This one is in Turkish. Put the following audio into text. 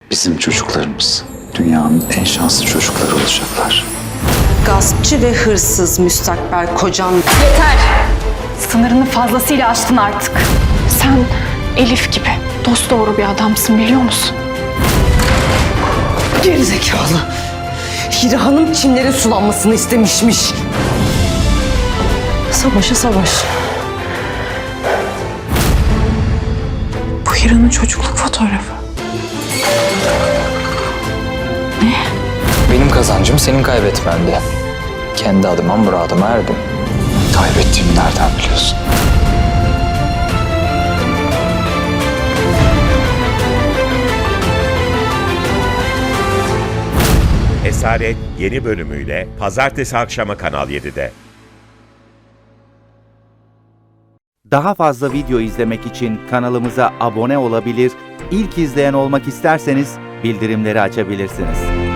Bizim çocuklarımız dünyanın en şanslı çocukları olacaklar. Gaspçı ve hırsız müstakbel kocan. Yeter! Sınırını fazlasıyla aştın artık. Sen Elif gibi dosdoğru bir adamsın, biliyor musun? Gerizekalı. Hira Hanım Çinlerin sulanmasını istemişmiş. Savaşa savaş. Bu Hira'nın çocukluk fotoğrafı. Benim kazancım senin kaybetmendi. Kendi adıma muradıma erdim. Kaybettiğimi nereden biliyorsun? Esaret yeni bölümüyle pazartesi akşamı Kanal 7'de. Daha fazla video izlemek için kanalımıza abone olabilir, ilk izleyen olmak isterseniz bildirimleri açabilirsiniz.